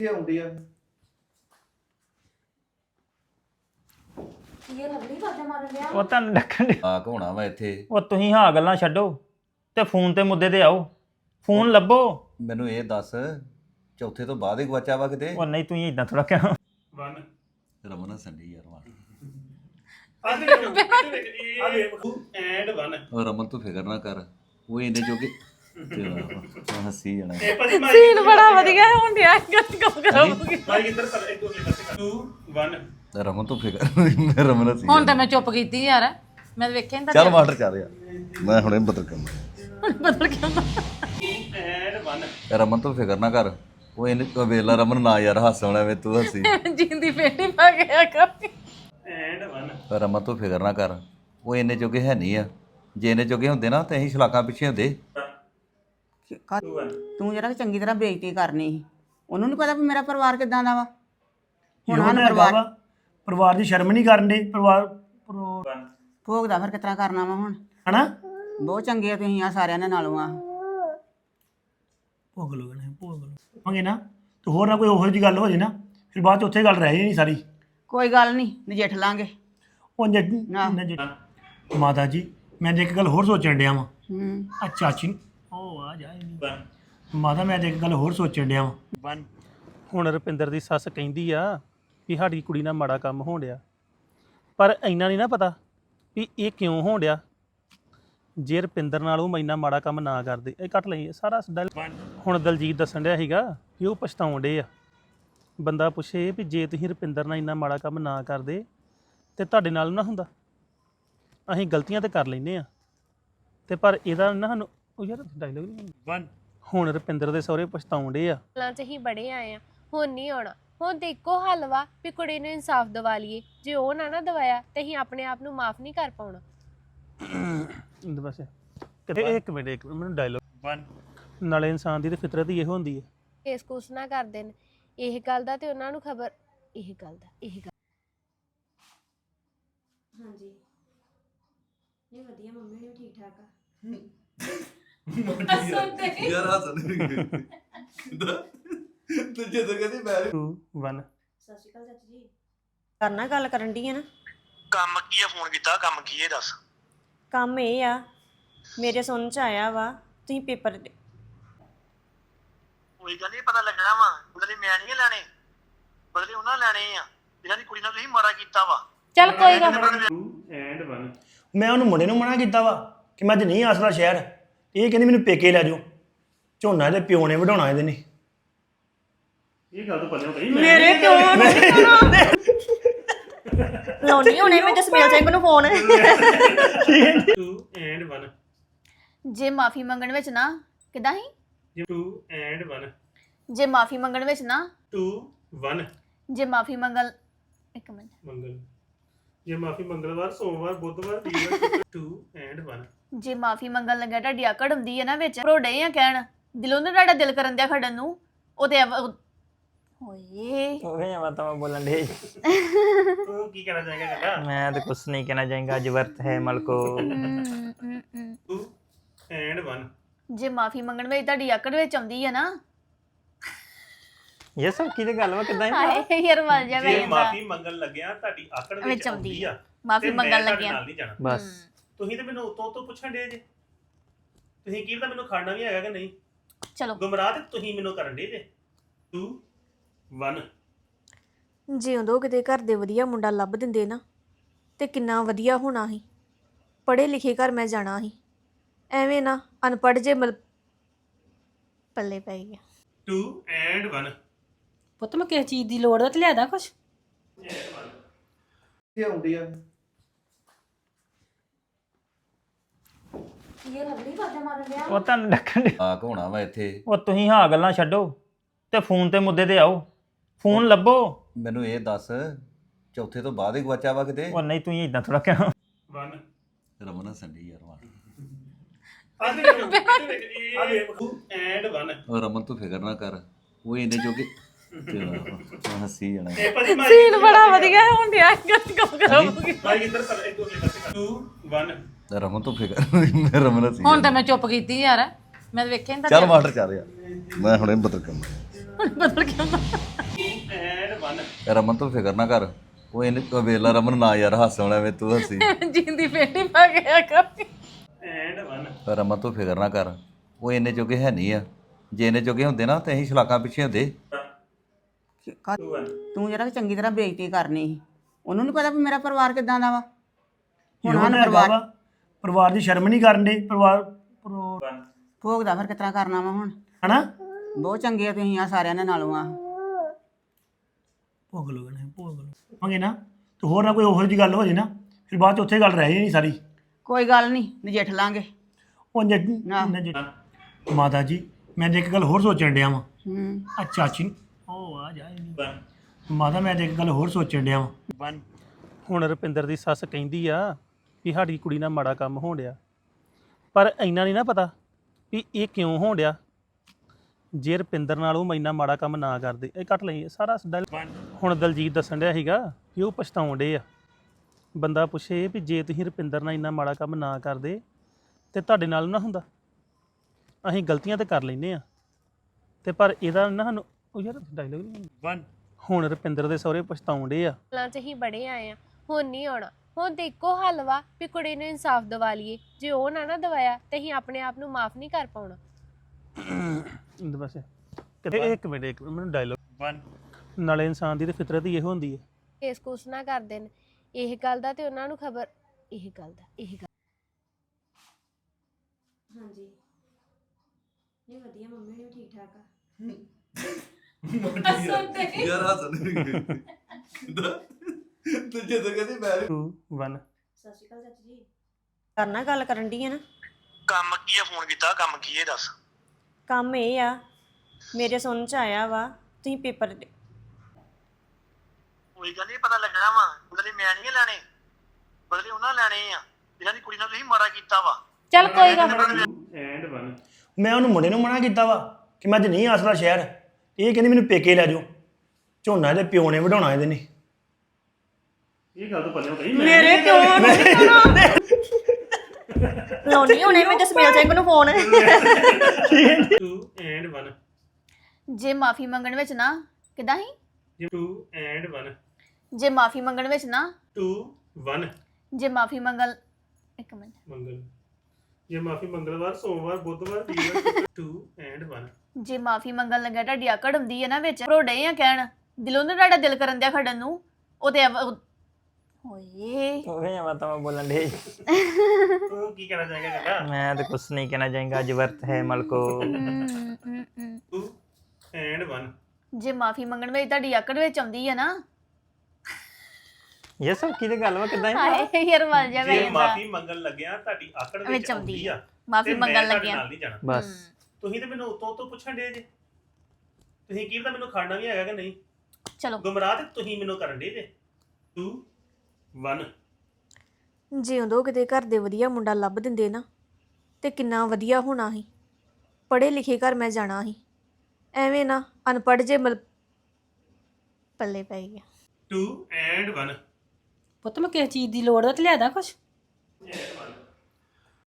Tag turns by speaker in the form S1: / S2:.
S1: ਆਉਂਦੀ ਆ
S2: ਇਹ ਲਵਲੀ ਵਾਜਾ ਮਾਰਨ ਲਿਆ
S3: ਉਹ ਤੁਹਾਨੂੰ ਡੱਕਣ ਡਿਆ।
S4: ਆ ਘੋਣਾ ਵਾ ਇੱਥੇ
S3: ਉਹ ਤੁਸੀਂ ਹਾਂ ਗੱਲਾਂ ਛੱਡੋ ਤੇ ਫੋਨ ਤੇ ਮੁੱਦੇ ਤੇ ਆਓ ਫੋਨ ਲੱਭੋ।
S4: ਮੈਨੂੰ ਇਹ ਦੱਸ ਚੌਥੇ ਤੋਂ ਬਾਅਦ ਹੀ ਗਵਾਚਾ ਵਾ ਕਿਤੇ
S3: ਉਹ ਨਹੀਂ ਤੁਸੀਂ ਇਦਾਂ ਥੋੜਾ ਕਹਿਣਾ।
S4: ਰਮਨ ਸੰਡੀ ਯਾਰ ਮਾਰ ਉਹ ਰਮਨ ਤੂੰ ਫਿਕਰ ਨਾ ਕਰ ਉਹ ਇਹਨੇ ਜੋਗੇ ਹੱਸੀ ਜਾਣਾ
S2: ਸੀਨ ਬੜਾ ਵਧੀਆ ਹੁਣ ਡਿਆ ਕੰਮ ਕਰਾਂਗੇ
S4: ਰਮਨ ਤੂੰ ਫਿਕਰ ਰਮਨ ਹੱਸੀ
S2: ਹੁਣ ਤਾਂ ਮੈਂ ਚੁੱਪ ਕੀਤੀ ਯਾਰ ਮੈਂ ਤਾਂ ਵੇਖਿਆ ਨਹੀਂ
S4: ਚੱਲ ਮਾਸਟਰ ਚੱਲ ਯਾਰ ਮੈਂ ਹੁਣੇ ਬਦਲ ਕਰਨਾ
S2: ਬਦਲ ਕੇ ਆਉਂਦਾ
S4: ਰਮਨ ਤੂੰ ਫਿਕਰ ਨਾ ਕਰ ਉਹ ਇਹਨੇ ਵੇਲਾ ਰਮਨ ਨਾ ਯਾਰ ਹੱਸਣਾ ਵੇ ਤੂੰ ਹੱਸੀ
S2: ਜਿੰਦੀ ਫੇਟੀ ਪਾ ਗਿਆ ਕਰ
S4: ਰਮਨ ਤੂੰ ਫਿਕਰ ਨਾ ਕਰ ਉਹ ਇਹਨੇ ਜੋਗੇ ਹੈ ਨਹੀਂ ਆ ਜੇ ਇਹਨੇ ਜੋਗੇ ਹੁੰਦੇ ਨਾ ਤੇ ਅਸੀਂ ਸ਼ਲਾਕਾਂ ਪਿੱਛੇ ਹੁੰਦੇ
S5: ਤੂੰ ਜਰਾ ਚੰਗੀ ਤਰ੍ਹਾਂ ਬੇਇੱਜ਼ਤੀ ਕਰਨੀ ਸੀ ਉਹਨੂੰ ਨਹੀਂ ਪਤਾ ਵੀ ਮੇਰਾ ਪਰਿਵਾਰ ਕਿਦਾਂ ਦਾ ਵਾ ਹੁਣ ਹਨ
S6: ਪਰਿਵਾਰ ਦੀ ਸ਼ਰਮ ਨਹੀਂ ਕਰਨ ਦੇ ਪਰਿਵਾਰ
S5: ਭੋਗਦਾ ਫਿਰ ਕਿਤਰਾ ਕਰਨਾ ਵਾ ਹੁਣ
S6: ਹਨਾ
S5: ਬਹੁਤ ਚੰਗੇ ਆ ਤੁਸੀਂ ਆ ਸਾਰਿਆਂ ਦੇ ਨਾਲੋਂ ਆ
S6: ਭੋਗ ਲੋ ਮੰਗੇ ਨਾ ਤੇ ਹੋਰ ਨਾ ਕੋਈ ਉਹੋ ਜਿਹੀ ਗੱਲ ਹੋ ਜੇ ਨਾ ਫਿਰ ਬਾਅਦ ਚ ਉੱਥੇ ਗੱਲ ਰਹਿ ਜਾਣੀ ਸਾਰੀ
S5: ਕੋਈ ਗੱਲ ਨਹੀਂ ਨਜਿੱਠ ਲਾਂਗੇ
S6: ਉਹ ਮਾਤਾ ਜੀ ਮੈਂ ਤੇ ਇੱਕ ਗੱਲ ਹੋਰ ਸੋਚਣ ਡਿਆ ਵਾਂ ਆ ਚਾਚੀ ਉਹ ਆ ਜਾਏ ਮਾਤਾ ਮੈਂ ਤੇ ਇੱਕ ਗੱਲ ਹੋਰ ਸੋਚਣ ਡਿਆ ਵਾਂ
S7: ਹੁਣ ਰੁਪਿੰਦਰ ਦੀ ਸੱਸ ਕਹਿੰਦੀ ਆ ਵੀ ਸਾਡੀ ਕੁੜੀ ਨਾਲ ਮਾੜਾ ਕੰਮ ਹੋਣ ਡਿਆ ਪਰ ਇੰਨਾ ਨਹੀਂ ਨਾ ਪਤਾ ਵੀ ਇਹ ਕਿਉਂ ਹੋਣ ਡਿਆ ਜੇ ਰੁਪਿੰਦਰ ਨਾਲ ਉਹ ਇੰਨਾ ਮਾੜਾ ਕੰਮ ਨਾ ਕਰਦੇ ਇਹ ਕੱਟ ਲਈ ਸਾਰਾ ਹੁਣ ਦਲਜੀਤ ਦੱਸਣ ਡਿਆ ਸੀਗਾ ਕਿ ਉਹ ਪਛਤਾਉਣ ਡੇ ਆ ਬੰਦਾ ਪੁੱਛੇ ਵੀ ਜੇ ਤੁਸੀਂ ਰੁਪਿੰਦਰ ਨਾਲ ਇੰਨਾ ਮਾੜਾ ਕੰਮ ਨਾ ਕਰਦੇ ਤੇ ਤੁਹਾਡੇ ਨਾਲ ਨਾ ਹੁੰਦਾ ਅਸੀਂ ਗਲਤੀਆਂ ਤੇ ਕਰ ਲੈਂਦੇ ਆ ਤੇ ਪਰ ਇਹਦਾ ਨਾ ਸਾਨੂੰ ਉਹ ਯਾਰ ਡਾਇਲੋਗ ਨਹੀਂ ਹੁਣ ਰੁਪਿੰਦਰ ਦੇ ਸਹੁਰੇ ਪਛਤਾਉਣ ਡੇ ਆ
S8: ਚ ਹੀ ਬੜੇ ਆਏ ਆ ਹੁਣ ਨਹੀਂ ਆਉਣਾ ਹੁਣ ਤੇ ਇੱਕੋ ਹੱਲ ਵਾ ਵੀ ਕੁੜੀ ਨੂੰ ਇਨਸਾਫ ਦਿਵਾ ਲਈਏ ਜੇ ਉਹ ਨਾ ਦਵਾਇਆ ਤੇ ਅਸੀਂ ਆਪਣੇ ਆਪ ਨੂੰ ਮਾਫ ਨਹੀਂ ਕਰ ਪਾਉਣਾ
S7: ਬਸ ਇੱਕ ਮਿੰਟ ਮੈਨੂੰ ਡਾਇਲੋਗ ਨਾਲੇ ਇਨਸਾਨ ਦੀ ਤੇ ਫਿਤਰਤ ਹੀ ਇਹੋ ਹੁੰਦੀ ਹੈ
S8: ਕੇਸ ਕੁਸ ਨਾ ਕਰਦੇ ਨੇ ਇਹ ਗੱਲ ਦਾ ਤੇ ਉਹਨਾਂ ਨੂੰ ਖਬਰ ਇਹ ਗੱਲ
S2: ਹਾਂਜੀ ਇਹ ਵਧੀਆ ਮੰਮੀ ਨੇ ਠੀਕ ਠਾਕ ਆ
S4: ਯਾਰ ਹੱਸਣ ਤੂੰ ਜਦੋਂ ਕਹਿੰਦੀ ਮੈਂ
S7: 2 1
S2: ਸਤਿ ਸ਼੍ਰੀ ਅਕਾਲ ਚਾਚੀ ਜੀ
S9: ਕਰਨਾ ਗੱਲ ਕਰਨ ਦੀ ਹੈ ਨਾ
S10: ਕੰਮ ਕੀ ਆ ਫੋਨ ਕੀਤਾ ਕੰਮ ਕੀ ਹੈ ਦੱਸ
S9: ਕੰਮ ਇਹ ਆ ਮੇਰੇ ਸੁਣ ਚ ਆਇਆ ਵਾ ਤੁਸੀਂ ਪੇਪਰ
S10: ਕੋਈ ਗੱਲ ਨਹੀਂ ਪਤਾ ਲੱਗਣਾ ਵਾ ਬਦਲੇ ਮੈਂ ਨਹੀਂ ਲੈਣੇ ਬਦਲੇ ਉਹਨਾਂ ਲੈਣੇ ਆ ਜਿਹਨਾਂ ਦੀ ਕੁੜੀ ਨਾਲ ਤੁਸੀਂ ਮਾਰਾ ਕੀਤਾ ਵਾ
S2: ਚੱਲ ਕੋਈ ਗੱਲ
S7: 2 and 1
S6: ਮੈਂ ਉਹਨੂੰ ਮੁੰਡੇ ਨੂੰ ਮਨਾ ਕੀਤਾ ਵਾ ਕਿ ਮੈਂ ਅੱਜ ਨਹੀਂ ਆਸਰਾ ਸ਼ਹਿਰ ਇਹ ਕਹਿੰਦੀ ਮੈਨੂੰ ਪੇਕੇ ਲੈ ਜਾਓ ਝੋਨਾ ਇਹਦੇ ਪਿਓ ਨੇ ਵਢਾਉਣਾ ਇਹਦੇ ਨੇ
S7: ਇਹ ਗੱਲ ਤਾਂ ਪੱਲੇ ਕਹੀ
S9: ਮੇਰੇ ਪਿਓ ਲਾਉਣੀ ਹੋਣੇ ਮੈਂ ਜਸਮੇਲ ਸਿੰਘ ਨੂੰ ਫੋਨ
S7: 2 and 1
S2: ਜੇ ਮਾਫੀ ਮੰਗਣ ਵਿੱਚ ਨਾ ਕਿਦਾਂ ਹੀ
S7: 2 and 1
S2: ਜੇ ਮਾਫੀ ਮੰਗਣ ਵਿੱਚ ਨਾ
S7: 2 1
S2: ਜੇ ਮਾਫੀ ਮੰਗਲ ਇੱਕ ਮਿੰਟ
S7: ਮੰਗਲ ਜੇ ਮਾਫੀ ਮੰਗਲਵਾਰ ਸੋਮਵਾਰ ਬੁੱਧਵਾਰ ਵੀਰਵਾਰ 2 and 1
S2: ਜੇ ਮਾਫੀ ਮੰਗਣ ਲੱਗਿਆ ਤੁਹਾਡੀ ਆਕੜ ਹੁੰਦੀ ਹੈ ਨਾ ਵਿੱਚ ਭਰੋੜੇ ਆ ਕਹਿਣ ਦਿਲੋਂ ਨਾ ਤੁਹਾਡਾ ਦਿਲ ਕਰਨ ਦਿਆ ਖੜਨ ਨੂੰ ਉਹਦੇ ਓਏ
S3: ਉਹ ਮੈਂ ਤਾਂ ਬੋਲਣ ਦੇ
S7: ਤੂੰ ਕੀ ਕਹਿਣਾ ਚਾਹੇਗਾ ਕਾਕਾ
S3: ਮੈਂ ਤਾਂ ਕੁਛ ਨਹੀਂ ਕਹਿਣਾ ਚਾਹਾਂਗਾ ਅੱਜ ਵਰਤ ਹੈ ਮਲਕੋ
S7: 2 and 1
S2: ਜੇ ਮਾਫੀ ਮੰਗਣ ਵਿੱਚ ਤੁਹਾਡੀ ਆਕੜ ਵਿੱਚ ਆਉਂਦੀ ਹੈ ਨਾ
S3: ਇਹ ਸਭ ਕਿਹਦੀ ਗੱਲ ਵਾ ਕਿਦਾਂ
S2: ਹਾਏ ਯਾਰ ਮਰ ਜਾ
S7: ਜੇ ਮਾਫੀ ਮੰਗਣ ਲੱਗਿਆ ਤੁਹਾਡੀ ਆਕੜ ਵਿੱਚ ਆਉਂਦੀ ਆ
S2: ਮਾਫੀ ਮੰਗਣ ਲੱਗਿਆ
S7: ਨਾਲ ਨਹੀਂ ਜਾਣਾ
S3: ਬਸ
S7: ਤੁਸੀਂ ਤੇ ਮੈਨੂੰ ਉਤੋਂ ਪੁੱਛਣ ਦੇ ਜੇ ਤੁਸੀਂ ਕੀ ਤਾਂ ਮੈਨੂੰ ਖਾਣਾ ਵੀ ਹੈਗਾ ਕਿ ਨਹੀਂ
S2: ਚਲੋ
S7: ਗੁੰਮਰਾਹ ਤੇ ਤੁਸੀਂ ਮੈਨੂੰ ਕਰਨ ਦੇ ਜੇ 2 1
S9: ਜੇ ਉਦੋਂ ਕਿਤੇ ਘਰ ਦੇ ਵਧੀਆ ਮੁੰਡਾ ਲੱਭ ਦਿੰਦੇ ਨਾ ਤੇ ਕਿੰਨਾ ਵਧੀਆ ਹੋਣਾ ਸੀ ਪੜ੍ਹੇ ਲਿਖੇ ਘਰ ਮੈਂ ਜਾਣਾ ਸੀ ਐਵੇਂ ਨਾ ਅਨਪੜ੍ਹ ਜੇ ਪੱਲੇ ਪੈ ਗਿਆ
S7: 2 and 1
S2: ਪੁੱਤ ਮੈਂ ਕਿਸ ਚੀਜ਼ ਦੀ ਲੋੜ ਹੈ ਤੇ ਲਿਆਦਾ ਕੁਛ
S1: ਕੀ ਆਉਂਦੀ ਆ
S2: ਇਹ ਲਵਲੀ ਵਾਜਾ ਮਾਰਨ ਲਿਆ
S3: ਉਹ ਤੁਹਾਨੂੰ ਡੱਕਣ ਡਿਆ।
S4: ਆ ਘੋਣਾ ਵਾ ਇੱਥੇ
S3: ਉਹ ਤੁਸੀਂ ਹਾਂ ਗੱਲਾਂ ਛੱਡੋ ਤੇ ਫੋਨ ਤੇ ਮੁੱਦੇ ਤੇ ਆਓ ਫੋਨ ਲੱਭੋ।
S4: ਮੈਨੂੰ ਇਹ ਦੱਸ ਚੌਥੇ ਤੋਂ ਬਾਅਦ ਹੀ ਗਵਾਚਾ ਵਾ ਕਿਤੇ
S3: ਉਹ ਨਹੀਂ ਤੁਸੀਂ ਇਦਾਂ ਥੋੜਾ ਕਹਿਣਾ।
S7: 1
S4: ਰਮਨ ਸੰਡੀ ਯਾਰ ਮਾਰ
S7: and 1
S4: ਉਹ ਰਮਨ ਤੂੰ ਫਿਕਰ ਨਾ ਕਰ ਉਹ ਇਹਨੇ ਜੋਗੇ ਹੱਸੀ ਜਾਣਾ
S2: ਸੀਨ ਬੜਾ ਵਧੀਆ ਹੁਣ ਡਿਆ ਕੰਮ ਕਰਾਂਗੇ
S7: ਭਾਈ ਇੱਧਰ ਕਰ ਇੱਕ 2 1
S4: ਰਮਨ ਤੂੰ ਫਿਕਰ ਰਮਨ ਹੱਸੀ
S2: ਹੁਣ ਤਾਂ ਮੈਂ ਚੁੱਪ ਕੀਤੀ ਯਾਰ ਮੈਂ ਤਾਂ ਵੇਖਿਆ ਨਹੀਂ
S4: ਚੱਲ ਮਾਸਟਰ ਚੱਲ ਯਾਰ ਮੈਂ ਹੁਣੇ ਬਦਲ ਕਰਨਾ
S5: ਬਦਲ ਕੇ ਆਉਂਦਾ
S7: ਐਂਡ 1
S4: ਰਮਨ ਤੂੰ ਫਿਕਰ ਨਾ ਕਰ ਉਹ ਇਹਨੇ ਵੇਲਾ ਰਮਨ ਨਾ ਯਾਰ ਹੱਸਣ ਐਵੇਂ ਤੂੰ ਹੱਸੀ
S5: ਜਿੰਦੀ ਫੇਟੀ ਪਾ ਗਿਆ ਕਰ
S7: ਐਂਡ 1
S4: ਰਮਨ ਤੂੰ ਫਿਕਰ ਨਾ ਕਰ ਉਹ ਇੰਨੇ ਜੋਗੇ ਹੈ ਨਹੀਂ ਆ ਜੇ ਇੰਨੇ ਜੋਗੇ ਹੁੰਦੇ ਨਾ ਤੇ ਅਸੀਂ ਸ਼ਲਾਕਾਂ ਪਿੱਛੇ ਹੁੰਦੇ
S5: ਤੂੰ ਜਰਾ ਚੰਗੀ ਤਰ੍ਹਾਂ ਬੇਇੱਜ਼ਤੀ ਕਰਨੀ ਸੀ ਉਹਨੂੰ ਨਹੀਂ ਪਤਾ ਵੀ ਮੇਰਾ ਪਰਿਵਾਰ ਕਿਦਾਂ ਦਾ ਵਾ ਹੁਣ
S6: ਹੁਣ
S5: ਸਾਨੂੰ ਪਰਿਵਾਰ
S6: ਪਰਿਵਾਰ ਦੀ ਸ਼ਰਮ ਨਹੀਂ ਕਰਨ ਦੇ ਪਰਿਵਾਰ
S5: ਭੋਗਦਾ ਫਿਰ ਕਿਤਨਾ ਕਰਨਾ ਵਾ ਹੁਣ
S6: ਹਨਾ
S5: ਬਹੁਤ ਚੰਗੇ ਆ ਤੁਸੀਂ ਆ ਸਾਰਿਆਂ ਦੇ ਨਾਲੋਂ ਆ
S6: ਭੋਗ ਲੋਗੇ ਨੇ ਭੋਗ ਲੋ ਮੰਗੇ ਨਾ ਤੇ ਹੋਰ ਨਾ ਕੋਈ ਉਹੋ ਜਿਹੀ ਗੱਲ ਹੋ ਜੇ ਨਾ ਫਿਰ ਬਾਅਦ ਚ ਉੱਥੇ ਗੱਲ ਰਹਿ ਜਾਣੀ ਸਾਰੀ
S5: ਕੋਈ ਗੱਲ ਨਹੀਂ ਨਜਿੱਠ ਲਾਂਗੇ
S6: ਉਹ ਮਾਤਾ ਜੀ ਮੈਂ ਤੇ ਇੱਕ ਗੱਲ ਹੋਰ ਸੋਚਣ ਡਿਆ ਵਾਂ
S5: ਹੂੰ
S6: ਆ ਚਾਚੀ ਉਹ ਆ ਜਾਏ ਨਹੀਂ ਮਾਤਾ ਮੈਂ ਤੇ ਇੱਕ ਗੱਲ ਹੋਰ ਸੋਚਣ ਡਿਆ ਵਾਂ
S7: ਹੁਣ ਰੁਪਿੰਦਰ ਦੀ ਸੱਸ ਕਹਿੰਦੀ ਆ ਵੀ ਸਾਡੀ ਕੁੜੀ ਨਾਲ ਮਾੜਾ ਕੰਮ ਹੋਣ ਡਿਆ ਪਰ ਇੰਨਾ ਨਹੀਂ ਨਾ ਪਤਾ ਵੀ ਇਹ ਕਿਉਂ ਹੋਣ ਡਿਆ ਜੇ ਰੁਪਿੰਦਰ ਨਾਲ ਉਹ ਇੰਨਾ ਮਾੜਾ ਕੰਮ ਨਾ ਕਰਦੇ ਇਹ ਕੱਟ ਲਈ ਸਾਰਾ ਹੁਣ ਦਲਜੀਤ ਦੱਸਣ ਡਿਆ ਸੀਗਾ ਕਿ ਉਹ ਪਛਤਾਉਣ ਡੇ ਆ ਬੰਦਾ ਪੁੱਛੇ ਵੀ ਜੇ ਤੁਸੀਂ ਰੁਪਿੰਦਰ ਨਾਲ ਇੰਨਾ ਮਾੜਾ ਕੰਮ ਨਾ ਕਰਦੇ ਤੇ ਤੁਹਾਡੇ ਨਾਲ ਨਾ ਹੁੰਦਾ ਅਸੀਂ ਗਲਤੀਆਂ ਤੇ ਕਰ ਲੈਨੇ ਆ ਤੇ ਪਰ ਇਹਦਾ ਨਾ ਸਾਨੂੰ ਉਹ ਯਾਰ ਡਾਇਲੋਗ ਨਹੀਂ ਹੁਣ ਰੁਪਿੰਦਰ ਦੇ ਸਹੁਰੇ ਪਛਤਾਉਣ ਡੇ ਆ
S8: ਗੱਲਾਂ 'ਚ ਹੀ ਬੜੇ ਆਏ ਆ ਹੁਣ ਨਹੀਂ ਆਉਣਾ ਹੁਣ ਤੇ ਇੱਕੋ ਹੱਲ ਵਾ ਵੀ ਕੁੜੀ ਨੂੰ ਇਨਸਾਫ ਦਿਵਾ ਲਈਏ ਜੇ ਉਹ ਨਾ ਦਵਾਇਆ ਤੇ ਅਸੀਂ ਆਪਣੇ ਆਪ ਨੂੰ ਮਾਫ ਨਹੀਂ ਕਰ ਪਾਉਣਾ
S7: ਬਸ ਇੱਕ ਮਿੰਟ ਮੈਨੂੰ ਡਾਇਲੋਗ ਨਾਲੇ ਇਨਸਾਨ ਦੀ ਤੇ ਫਿਤਰਤ ਹੀ ਇਹੋ ਹੁੰਦੀ ਹੈ
S8: ਕੇਸ ਕੁਸ ਨਾ ਕਰਦੇ ਨੇ ਇਹ ਗੱਲ ਦਾ ਤੇ ਉਹਨਾਂ ਨੂੰ ਖਬਰ ਇਹ ਗੱਲ
S9: ਹਾਂਜੀ ਨਹੀਂ ਵਧੀਆ ਮੰਮੀ ਨੇ ਵੀ ਠੀਕ ਠਾਕ ਆ
S4: ਯਾਰ ਹੱਸਣ ਤੂੰ ਜਦੋਂ ਕਹਿੰਦੀ ਮੈਂ
S7: 2 1
S9: ਸਤਿ ਸ਼੍ਰੀ ਅਕਾਲ ਚਾਚੀ ਜੀ ਕਰਨਾ ਗੱਲ ਕਰਨ ਦੀ ਹੈ ਨਾ
S10: ਕੰਮ ਕੀ ਆ ਫੋਨ ਕੀਤਾ ਕੰਮ ਕੀ ਹੈ ਦੱਸ
S9: ਕੰਮ ਇਹ ਆ ਮੇਰੇ ਸੁਣਨ ਚ ਆਇਆ ਵਾ ਤੁਸੀਂ ਪੇਪਰ
S10: ਕੋਈ ਗੱਲ ਨਹੀਂ ਪਤਾ ਲੱਗਣਾ ਵਾ ਬਦਲੇ ਮੈਂ ਨਹੀਂ ਲੈਣੇ ਬਦਲੇ ਉਹਨਾਂ ਲੈਣੇ ਆ ਜਿਹਨਾਂ ਦੀ ਕੁੜੀ ਨਾਲ ਤੁਸੀਂ ਮਾਰਾ ਕੀਤਾ ਵਾ
S8: ਚੱਲ ਕੋਈ ਗੱਲ
S7: ਐਂਡ 1
S6: ਮੈਂ ਉਹਨੂੰ ਮੁੰਡੇ ਨੂੰ ਮਨਾ ਕੀਤਾ ਵਾ ਕਿ ਮੈਂ ਅੱਜ ਨਹੀਂ ਆਸਰਾ ਸ਼ਹਿਰ ਇਹ ਕਹਿੰਦੀ ਮੈਨੂੰ ਪੇਕੇ ਲੈ ਜਾਓ ਝੋਨਾ ਇਹਦੇ ਪਿਓ ਨੇ ਵਢਾਉਣਾ ਇਹਦੇ ਨੇ
S7: ਇਹ ਗੱਲ ਤਾਂ ਪੱਲੇ ਕਹੀ
S5: ਮੇਰੇ ਪਿਓ
S9: ਲਾਉਣੀ ਹੋਣੇ ਮੈਂ ਜਸਮੇਲ ਸਿੰਘ ਨੂੰ ਫੋਨ
S7: 2 ਐਂਡ 1
S2: ਜੇ ਮਾਫੀ ਮੰਗਣ ਵਿੱਚ ਨਾ ਕਿਦਾਂ ਹੀ
S7: 2 ਐਂਡ 1
S2: ਜੇ ਮਾਫੀ ਮੰਗਣ ਵਿੱਚ ਨਾ
S7: 2 1
S2: ਜੇ ਮਾਫੀ ਮੰਗਲ ਇੱਕ ਮਿੰਟ
S7: ਮੰਗਲ ਜੇ ਮਾਫੀ ਮੰਗਲਵਾਰ ਸੋਮਵਾਰ ਬੁੱਧਵਾਰ ਵੀਰਵਾਰ 2 ਐਂਡ 1
S2: ਜੇ ਮਾਫੀ ਮੰਗਣ ਲੱਗਿਆ ਤੁਹਾਡੀ ਆਕੜ ਹੁੰਦੀ ਹੈ ਨਾ ਵਿੱਚ ਭਰੋੜੇ ਆ ਕਹਿਣ ਦਿਲੋਂ ਨਾ ਤੁਹਾਡਾ ਦਿਲ ਕਰਨ ਦਿਆ ਖੜਨ ਨੂੰ ਉਹ ਤੇ ਓਏ
S3: ਓਏ ਮੈਂ ਤਾਂ ਬੋਲਣ ਦੇ
S7: ਤੂੰ ਕੀ ਕਹਿਣਾ ਚਾਹੇਗਾ ਕਾਕਾ
S3: ਮੈਂ ਤਾਂ ਕੁਛ ਨਹੀਂ ਕਹਿਣਾ ਚਾਹਾਂਗਾ ਅੱਜ ਵਰਤ ਹੈ ਮਲਕੋ
S7: 2 ਐਂਡ 1
S2: ਜੇ ਮਾਫੀ ਮੰਗਣ ਵਿੱਚ ਤੁਹਾਡੀ ਆਕੜ ਵਿੱਚ ਆਉਂਦੀ ਹੈ ਨਾ
S3: ਇਹ ਸਭ ਕਿਹਦੇ ਗੱਲ ਵਾ ਕਿਦਾਂ
S2: ਹਾਏ ਯਾਰ ਮਰ ਜਾ
S7: ਜੇ ਮਾਫੀ ਮੰਗਣ ਲੱਗਿਆ ਤੁਹਾਡੀ ਆਕੜ ਵਿੱਚ ਆਉਂਦੀ ਆ
S2: ਮਾਫੀ
S7: ਤੇ ਮੈਂ
S2: ਮੰਗਣ
S7: ਤੁਹਾਡੇ
S2: ਲੱਗਿਆ
S7: ਨਾਲ ਨਹੀਂ ਜਾਣਾ
S3: ਬਸ
S7: ਤੁਸੀਂ ਤੇ ਮੈਨੂੰ ਉਤੋਂ ਪੁੱਛਣ ਦੇ ਜੇ ਤੁਸੀਂ ਕੀ ਪਤਾ ਮੈਨੂੰ ਖਾਣਾ ਵੀ ਹੈਗਾ ਕਿ ਨਹੀਂ
S2: ਚਲੋ
S7: ਗੁੰਮਰਾਹ ਤੇ ਤੁਸੀਂ ਮੈਨੂੰ ਕਰਨ ਦੇ ਜੇ 2 1
S9: ਜੇ ਉਦੋਂ ਕਿਤੇ ਘਰ ਦੇ ਵਧੀਆ ਮੁੰਡਾ ਲੱਭ ਦਿੰਦੇ ਨਾ ਤੇ ਕਿੰਨਾ ਵਧੀਆ ਹੋਣਾ ਸੀ ਪੜ੍ਹੇ ਲਿਖੇ ਘਰ ਮੈਂ ਜਾਣਾ ਸੀ ਐਵੇਂ ਨਾ ਅਨਪੜ੍ਹ ਜੇ ਪੱਲੇ ਪੈ ਗਿਆ
S7: 2 ਐਂਡ 1
S1: ਪੁੱਤ ਮੈਂ ਕਿਸੇ ਚੀਜ਼ ਦੀ ਲੋੜ ਆ ਤੇ ਲਿਆਦਾ ਕੁਛ